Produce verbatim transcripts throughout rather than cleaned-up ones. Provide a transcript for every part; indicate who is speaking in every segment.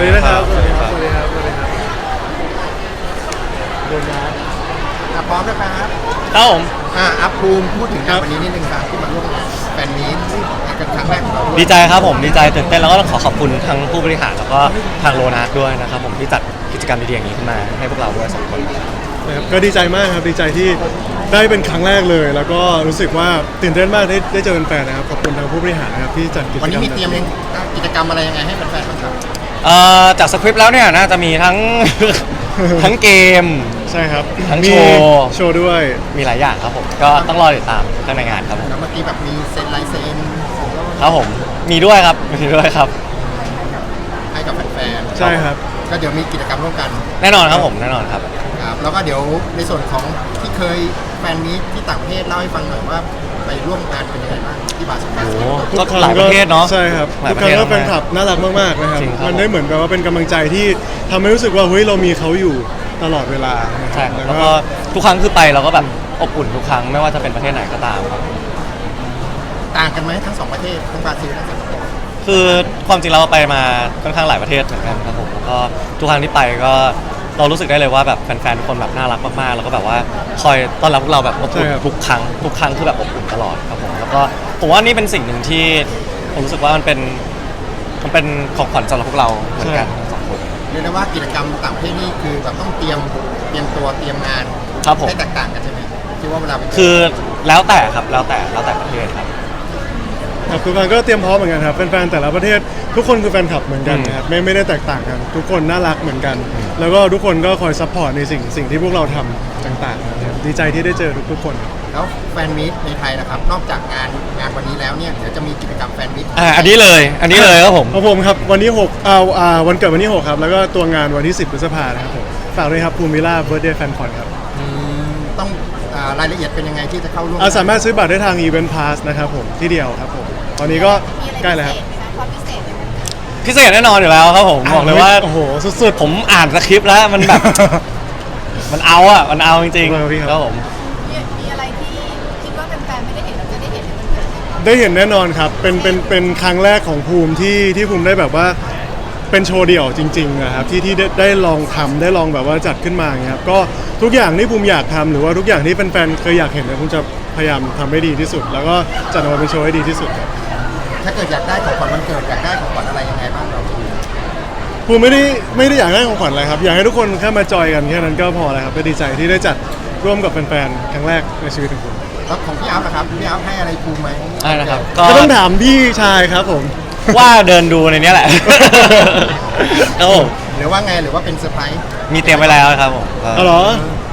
Speaker 1: วัสดีนะครับสวัสดีครับสวัสดีครับสวัสดีครับโดนนะ
Speaker 2: อ่ะพร้อมนะครับ
Speaker 3: ครับผม
Speaker 2: อ่ะอัพภูมิพูดถึงงานวันนี้นิดนึงครับที่มาร่วมแฟนมีตกันครั้งแรกของเรา
Speaker 3: ดีใจครับผมดีใจตื่นเต้นแล้วก็ต้องขอขอบคุณทั้งผู้บริหารแล้วก็ทางโลนัสด้วยนะครับผมที่จัดกิจกรรมดีๆอย่างนี้ขึ้นมาให้พวกเราด้วยสองคน
Speaker 1: นะครับก็ดีใจมากครับดีใจที่ได้เป็นครั้งแรกเลยแล้วก็รู้สึกว่าตื่นเต้นมากได้ได้เจอแฟนๆนะครับขอบคุณทางผู้บริหารนะครับที่จัดกิจกรรม
Speaker 2: วันนี้มีเตรียมกิจกรรมอะไรยังไงให้แฟนๆบ้างครับ
Speaker 3: เอ่อจากสคริปต์แล้วเนี่ยน่าจะมีทั้ง ทั้งเกม
Speaker 1: ใช่ครับ
Speaker 3: ทั้งโชว์
Speaker 1: โชว์ด้วย
Speaker 3: มีหลายอย่างครับผมก็ต้องรอติดตามข้างในงานครับผม
Speaker 2: แล้วเมื่อกี้แบบมีเซ็นลายเซ็น
Speaker 3: ครับผมมีด้วยครับมีด้วยครับ
Speaker 2: ให้กับแฟน
Speaker 1: ๆใช่ครับ
Speaker 2: ก็เดี๋ยวมีกิจกรรมร่วมกัน
Speaker 3: แน่นอนครับผมแน่นอนครับ
Speaker 2: ครับแล้วก็เดี๋ยวในส่วนของที่เคยแฟนมีตที่ต่างประเทศเล่าให้ฟังหน่อยว่าไปร่วมงานเป็นยังไงบ้างที่บาส
Speaker 3: โอ้
Speaker 1: ก็
Speaker 3: หลายประเทศเนาะ
Speaker 1: ใช่ครับทุกครั้งก็แฟนคลับน่ารักมากๆนะครับมันได้เหมือนกับว่าเป็นกำลังใจที่ทำให้รู้สึกว่าเฮ้ยเรามีเขาอยู่ตลอดเวลา
Speaker 3: ใช่แล้วก็ทุกครั้งคือไปเราก็แบบอบอุ่นทุกครั้งไม่ว่าจะเป็นประเทศไหนก็ตามครับ
Speaker 2: ต่างกันไหมทั้งสองประเทศทั้งบราซิลทั้งสิงคโปร์
Speaker 3: คือความจริงเราไปมาค่อนข้างหลายประเทศเหมือนกันครับผมแล้วก็ทุกครั้งที่ไปก็เรารู้สึกได้เลยว่าแบบแฟนๆทุกคนแบบน่ารักมากๆแล้วก็แบบว่าคอยต้อนรับพวกเราแบบอบอุ่นทุกครั้งทุกครั้งคือแบบอบอุ่นตลอดครับผมแล้วก็ผมว่านี่เป็นสิ่งหนึ่งที่ผมรู้สึกว่ามันเป็นมันเป็นของขวัญสำหรับพวกเราเหมือนกันทั้งสองคน
Speaker 2: เรียกได้ว่ากิจกรรมต่างประเทศนี่คือแบบต้องเตรียมเตรียมตัวเตรียมงานให้แตกต่างกันใช่ไหมที่ว่าเวลา
Speaker 3: คือแล้วแต่ครับแล้วแต่แล้วแต่ประเทศครับ
Speaker 1: ครับทุกคนก็เตรียมพร้อมเหมือนกันครับแฟนๆแต่ละประเทศทุกคนคือแฟนคลับเหมือนกันนะครับไม่ไม่ได้แตกต่างกันทุกคนน่ารักเหมือนกันแล้วก็ทุกคนก็คอยซัพพอร์ตในสิ่งสิ่งที่พวกเราทำต่างๆนะครับดีใจที่ได้เจอทุกๆคน
Speaker 2: แล้วแฟนมีตในไทยนะครับนอกจากงานงานวันนี้แล้วเนี่ยเดี๋ยวจะมีกิจกรรมแฟนมีต
Speaker 3: อ่าอันนี้เลยอันนี้เลยครับผม
Speaker 1: ของผมครับวันที่หกเอาอ่าวันเกิดวันที่หกครับแล้วก็ตัวงานวันที่สิบพฤษภาคมนะครับผมฝากด้วยครับภูมิล่าเบิร์ดเดย์แฟนคอนครับ
Speaker 2: ต้องรายละเอียดเป็นยังไงที่จะเข้าร่วม
Speaker 1: สามารถซื้อบัตรได้ทาง Event Pass นะครับผมที่เดียวครับผมตอนนี้ก็ใกล้แล้วครับ
Speaker 3: พิเศษแน่นอนอยู่แล้วครับผมบอกเลยว่า
Speaker 1: โอ้โหสุด
Speaker 3: ๆผมอ่านสคริปต์แล้วมันแบบมันเอาอ่ะมันเอาจริงๆครับผม
Speaker 4: มีอะไรที่คิดว่าแฟนๆไม่ได้เห็นเราจะได้เห็นในวันเกิด
Speaker 1: ได้เห็นแน่นอนครับเป็นเป็นเป็นครั้งแรกของภูมิที่ที่ภูมิได้แบบว่าเป็นโชว์เดี่ยวจริงๆนะครับที่ที่ได้ได้ลองทำได้ลองแบบว่าจัดขึ้นมาอย่างเงี้ยครับก็ทุกอย่างที่ภูมิอยากทำหรือว่าทุกอย่างที่แฟนๆเคยอยากเห็นเนี่ยภูมิจะพยายามทำให้ดีที่สุดแล้วก็จัดออกมาเป็นโชว์ให้ดีที่สุดครับ
Speaker 2: ถ้าเกิดอยากได้ของขวัญวันเกิดอยากได้ของขวัญอะไรยังไงบ้างเรา
Speaker 1: ภูมิไม่ได้ไม่ได้อยากได้ของขวัญอะไรครับอยากให้ทุกคนแค่มาจอยกันแค่นั้นก็พอแล้วครับก็ดีใจที่ได้จัดร่วมกับแฟนๆครั้งแรกในชีวิตของผม
Speaker 2: แล้วของพี่อัพนะครับพี่อัพให้อะไรภูมิไหม
Speaker 3: ใช่นะครับ
Speaker 1: ก็ต้องถามพี่ชายครับผม
Speaker 3: ว่าเดินดูในนี้แหละโอ้
Speaker 2: หรือว่าไงหรือว่าเป็นเซอร์ไพรส์
Speaker 3: มีเตรียมไว้แล้วครับผม
Speaker 1: อ๋อเหรอ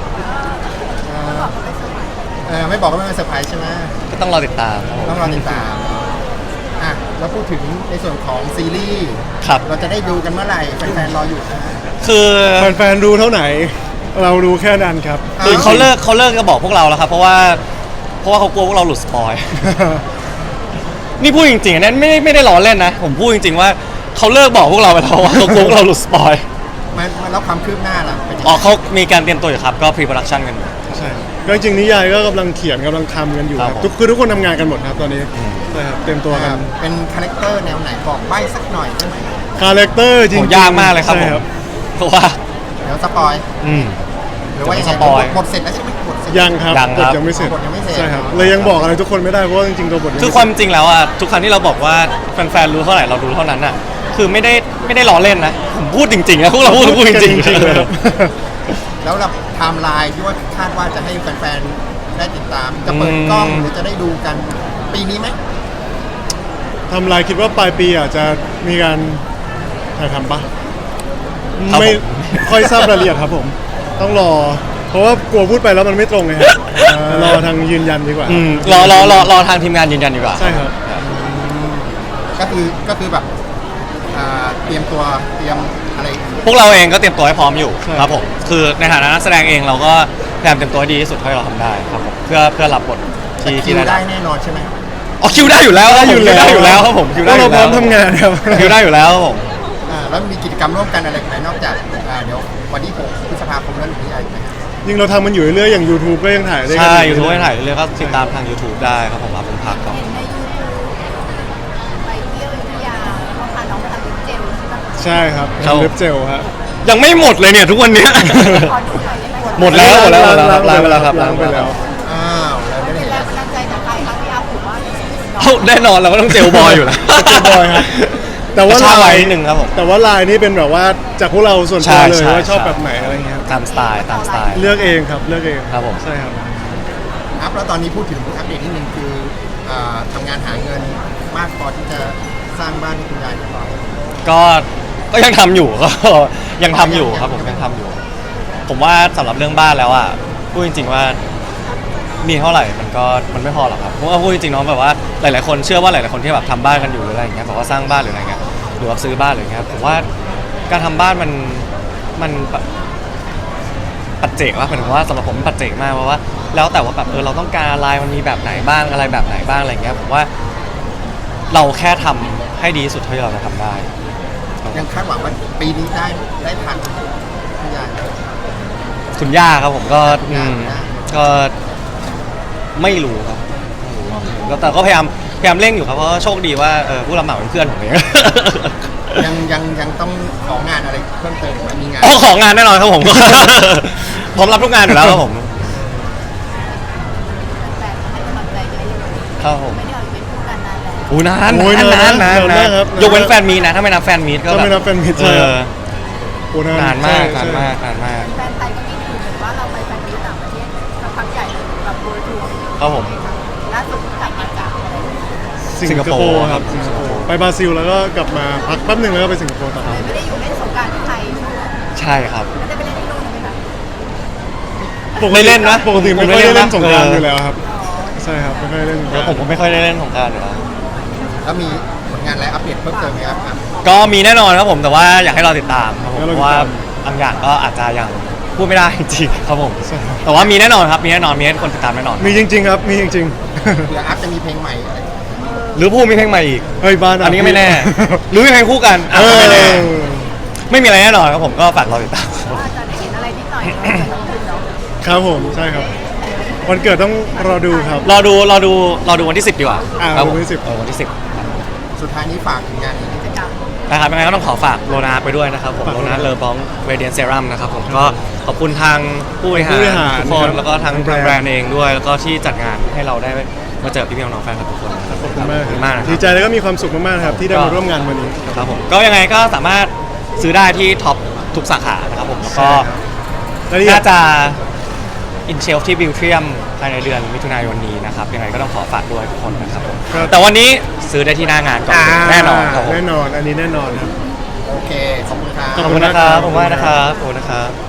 Speaker 2: เออไม่บอกก็ไม่เป็นเซอร์ไพรส์ใช่ไหม
Speaker 3: ก็ต้องรอติดตาม
Speaker 2: ต้องรอติดตามอ่ะแล้วพูดถึงในส่วนของซีรีส์
Speaker 3: ครับ
Speaker 2: เราจะได้ดูกันเมื่อไหร่แฟนๆรออยู่นะ
Speaker 3: คือ
Speaker 1: แฟนๆดูเท่าไหร่เราดูแค่นั้นครับ
Speaker 3: คือเขาเลิกเขาเลิกจะบอกพวกเราแล้วครับเพราะว่าเพราะว่าเขากลัวพวกเราหลุดสปอยนี่พูดจริงๆนะไม่ไม่ได้ล้อเล่นนะผมพูดจริงๆว่าเขาเลิกบอกพวกเราไปแล้วว่าเขากลัวพวกเราหลุดสปอย
Speaker 2: มันแล้วความคืบหน้าล่ะ
Speaker 3: อ๋อเขามีการเตรียมตัวอยู่ครับก็พรีโปรดักชันกัน
Speaker 1: ใช่ก็จริงนิยายก็กำลังเขียนกำลังทำกันอยู่ครับทุกคือทุกคนทำงานกันหมดครับตอนนี้ใช่ครับเต็มตัวกัน
Speaker 2: เป็นคาแรคเตอร์แนวไหนบอกใบ้สักหน่อยได้ไหม
Speaker 1: คาแรคเตอร์จริง
Speaker 3: ยากมากเลยครับผมเพราะว่า
Speaker 2: เดี๋ยวสปอย
Speaker 3: อืม
Speaker 2: หรือว่ายังไงหมดเสร็จแล้วใช่ไหมหมดเสร็จ
Speaker 1: ยังครับบทยังไม่เสร็จใช่ครับเลยยังบอกอะไรทุกคนไม่ได้เพราะจริงๆตัวบท
Speaker 3: คือความจริงแล้วอ่ะทุกครั้งที่เราบอกว่าแฟนๆรู้เท่าไหร่เรารู้เท่านั้นอ่ะคือไม่ได้ไม่ได้ล้อเล่นนะผมพูดจริงๆนะพวกเราพูดพูดจริงๆ
Speaker 1: เลยครับ
Speaker 2: แล้วแบบไทม์ไลน์ที่ว่าคาดว่าจะให้แฟนๆได้ติดตามจะเปิดกล้องหรือจะได้ดูกันปีนี้ไหม
Speaker 1: ทำลายคิดว่าปลายปีอาจจะมีการถ่ายทำปะไม่ค่อยทราบรายละเอียดครับผมต้องรอเพราะว่ากลัวพูดไปแล้วมันไม่ตรงไงครับรอทางยืนยันดีกว่าร
Speaker 3: อรอรอรอทางทีมงานยืนยันดีกว่า
Speaker 1: ใช่ครับ
Speaker 2: ก็คือก็คือแบบเตรียมตัวเตรียมอะไร
Speaker 3: พวกเราเองก็เตรียมตัวให้พร้อมอยู่ครับผมคือในฐานะนักแสดงเองเราก็พยายามเตรียมตัวให้ดีที่สุดเท่าที่เราทำได้ครับผมเพื่อเพื่อรับบทที่
Speaker 2: ที่ได้แน่นอนใช่ไหม
Speaker 3: อ๋อคิวได้อยู่แล้วครับผมคิวได้อยู่แล้วครับผมคิวได้
Speaker 1: เราพร้อมทำงานครับ
Speaker 3: คิวได้อยู่แล้วครับผม
Speaker 2: แล้วมีกิจกรรมร่วมกันอะไรไหมนอกจากเดี๋ยววันที่หกพฤษภาคมแล้วหรืออะไรไหม
Speaker 1: ยิ่งเราทำมันอยู่เรื่อยๆอย่าง YouTube ก็ยังถ่ายได้
Speaker 3: ใช่ YouTube ก็ถ่ายเรื่อยๆก็ติดตามทาง YouTube ได้ครับผมรับผมพักครับ
Speaker 4: เห็นใน YouTube ไปเที่ยวอยุธยาเขาพาน้องไปทำเป็นเจลใช่ไหม
Speaker 1: ใช่ครับ
Speaker 3: ครับ
Speaker 1: เล็บเจลฮะ
Speaker 3: ยังไม่หมดเลยเนี่ยทุกวันเนี้ย
Speaker 4: ขอดูหน่อยได้ไหม
Speaker 3: หมดแล้วหมดแล้วหมดแล้วครับ
Speaker 1: ล้า
Speaker 3: ล้าง ง
Speaker 1: ไป
Speaker 3: ไป
Speaker 1: แล้
Speaker 3: แล้ว วครับ
Speaker 1: ล้างไปแล้ว
Speaker 2: อ้าวแล้วไม่ได้
Speaker 4: เป็น
Speaker 2: เห็น
Speaker 4: แรงบันดาลใจจากใครคะพี่อาร์ผมว่า
Speaker 3: เอ้าแน่นอนเราก็ต้องเจลบอยอยู่แล้ว
Speaker 1: เจลบอยครับแต่ว่า
Speaker 3: ชา
Speaker 1: ลา
Speaker 3: ไว้
Speaker 1: ย
Speaker 3: นิดนึงครับผม
Speaker 1: แต่ว่าลายนี่เป็นแบบว่าจากพวกเราส่วนตัวเลย
Speaker 3: ใช่
Speaker 1: ว่าชอบ
Speaker 3: ใช่
Speaker 1: แบบไหนอะไรเงี้ยครับ
Speaker 3: ตามสไตล์ตามสไตล์
Speaker 1: เลือกเองครับเลือกเอง
Speaker 3: ครับผม
Speaker 1: ใช่ครับ
Speaker 2: อัพแล้วตอนนี้พูดถึงอัปเดตนิดนึงคืออ่าทำงานหาเงินมากพอที่จะสร้างบ้านให้คุณยายเรียบร้อย
Speaker 3: ก็ก็ยังทำอยู่ ก็ยังทำอยู่ครับผมยังทำอยู่ ผมว่าสำหรับเรื่องบ้านแล้วอ่ะพูดจริง ๆว่ามีเท่าไหร่มันก็มันไม่พอหรอกครับเพราะว่าพูดจริงๆเนาะแบบว่าหลายๆคนเชื่อว่าหลายๆคนที่แบบทำบ้านกันอยู่หรืออะไรอย่างเงี้ยแบบว่าสร้างบ้านหรืออะไรเงี้ยหรือว่าซื้อบ้านหรืออะไรเงี้ยผมว่าการทำบ้านมันมันแบบปัจเจกว่าหมายถึงว่าสำหรับผมมันปัจเจกมากเพราะว่าแล้วแต่ว่าแบบเออเราต้องการอะไรมันมีแบบไหนบ้างอะไรแบบไหนบ้างอะไรเงี้ยผมว่าเราแค่ทำให้ดีที่สุดเท่าที่เราจะทำได้
Speaker 2: ยังคาดหวังว่าปีนี้ได้ได้ทันคุณยาย
Speaker 3: คุณย่าครับผมก็อืมก็ไม่รู้ครับไม่รู้แต่ก็พยายามพยายามเร่งอยู่ครับเพราะว่าโชคดีว่าเออผู้รับเหมาเป็นเพื่อนผมเอง
Speaker 2: ยังยังยังต้องของานอะไรเพิ่มเติมไหมมีงาน
Speaker 3: อ๋อของงานแน่นอนครับผม ผมรับทุกงานอยู่แล้วครับผม
Speaker 4: แฟนให้กำลังใจเยอะเลย
Speaker 3: ครับผม
Speaker 4: ไม่ได้ออกเป็นคู่กันนานแล้ว
Speaker 3: โอ้นาน
Speaker 1: โอ้ย
Speaker 3: นานนาน
Speaker 1: นาน
Speaker 3: นาน
Speaker 1: นาน
Speaker 3: นาน
Speaker 1: ครับ
Speaker 3: ยกเว้นแฟนมีตนะถ้าไม่นับแฟนมีตก็
Speaker 1: ถ้า
Speaker 3: แบบ
Speaker 1: ไม่นับแฟนมิตร
Speaker 3: เอ
Speaker 1: ใช่ครับ
Speaker 3: อ
Speaker 1: โอ้
Speaker 3: นานมาก
Speaker 1: ใช่
Speaker 3: นาน
Speaker 1: ใช่
Speaker 3: มากนานมาก
Speaker 4: แฟนไทยก็มีอยู่เหมือนว่าเราไปแฟนมีตต่างประเทศสักพักใหญ่เลยแบบโบทัวร์
Speaker 3: ครับผม
Speaker 4: ล่าสุดกลับมาจากอะไร
Speaker 1: สิงคโปร์ครับสิงคโปร์ไปบราซิลแล้วก็กลับมาพักแป๊บหนึ่งแล้วก็ไปสิงคโปร์ต่อ
Speaker 4: ไม่ได้อยู่เล่นสงกรานต์ที่ไทย
Speaker 3: ใช่ครับ
Speaker 4: ไม่ได้ไปเล่นที่นู่นไหมคะ
Speaker 1: ปก
Speaker 3: ไม่
Speaker 1: ติ
Speaker 3: เล่นนะ
Speaker 1: ปกติไม่
Speaker 3: ผมไม่
Speaker 1: ค่อยได้
Speaker 3: เล่
Speaker 1: เล่
Speaker 3: น
Speaker 1: น
Speaker 3: นะ
Speaker 1: สงกรานต์
Speaker 3: เออ
Speaker 1: อยู่แล้วครับใช่ครับไม่ค่อยได้เล่นสงก
Speaker 3: แล้
Speaker 1: ราว
Speaker 3: ผม
Speaker 1: นต์
Speaker 3: ก็ไม่ค่อยได้เล่นของกรารอยู่แล้ว
Speaker 2: แล้วมีผลงานอะไรอัปเดตเพิ่มเติมไหมครับอ่ะ
Speaker 3: ก็มีแน่นอนครับผมแต่ว่าอยากให้เราติดตามครับผม
Speaker 1: ให้
Speaker 3: เพ
Speaker 1: เราติดตาม
Speaker 3: ราะว่าบางอย่างก็อาจจะยังพูดไม่ได้จริงๆครับผม
Speaker 1: ใช่ครับ
Speaker 3: แต่ว่ามีแน่นอนครับมีแน่นอนมีให้คนติดตามแน่นอน
Speaker 1: มีจริง ๆ ครับมีจริง
Speaker 2: เดี๋ยวอัพจะมีเพลงใหม่อะไร
Speaker 3: หรือพูดมีเพลงใหม่อีก
Speaker 1: ๆเฮ้ยบ้าน
Speaker 3: อันนี้ก็ไม่แน่ หรือมีเพลงคู่กันอ่ะ
Speaker 1: เอ
Speaker 3: ก็
Speaker 1: อ
Speaker 3: ไม่แน่ไม่มีอะไรแน่นอนครับผมก็ฝากเราติดตาม
Speaker 4: ว่าจะได้เห็นอะไรนิดหน่อยเนาะแต่เราคืนเนาะ
Speaker 1: ครับผมใช่ครับ วันเกิดต้องรอดูครับ
Speaker 3: รอดูรอดูรอดูวันที่สิบดีกว่า
Speaker 1: อ่า
Speaker 3: ครับผม
Speaker 1: วันที่สิบ
Speaker 3: เออวันที่สิบ
Speaker 2: สุดท้ายนี้ฝากถึงงานนี้
Speaker 4: กิจกรรม
Speaker 3: นะครับยังไงก็ต้องขอฝากโลนาไปด้วยนะครับผม
Speaker 1: ฝาก
Speaker 3: โลนา
Speaker 1: ด้วย
Speaker 3: เลอบองเรเดียนเซรั่มนะครับผมก็ขอบคุณทางผู้บริหาร
Speaker 1: ผู้บริหาร
Speaker 3: ทุกคน
Speaker 1: ครับ
Speaker 3: แล้วก็ทาง
Speaker 1: ทาง
Speaker 3: แบ
Speaker 1: แบ
Speaker 3: ร
Speaker 1: ร
Speaker 3: น
Speaker 1: นด์
Speaker 3: ด์เองด้วย แล้วก็ที่จัดงานให้เราได้มาเจอพี่พี่น้องๆแฟนคลับทุกคนนะ
Speaker 1: ขอบคุณมาก
Speaker 3: ขอบคุณมากนะค
Speaker 1: ดี
Speaker 3: รับ
Speaker 1: ใจแล้วก็มีความสุขมากๆครับที่ได้มาร่วมงานวันนี้
Speaker 3: ครับผมก็ยังไงก็สามารถซื้อได้ที่ท็อปทุกสาขานะครับผมแล้วก็
Speaker 1: รายละเอีย
Speaker 3: น่า
Speaker 1: ด
Speaker 3: จะอินเชลที่บิวเทียมภายในเดือนมิถุนายนนี้นะครับยังไงก็ต้องขอฝากด้วยทุกคนนะครับผม
Speaker 1: ครับ
Speaker 3: แต่วันนี้ซื้อได้ที่หน้างานก่อนแน่นอนครับผม
Speaker 1: แน่นอนอันนี้แน่นอนครับ
Speaker 2: โอเค ขอบคุณครับ
Speaker 3: ขอบคุณนะครับขอบคุณมากนะครับขอบคุณนะครับ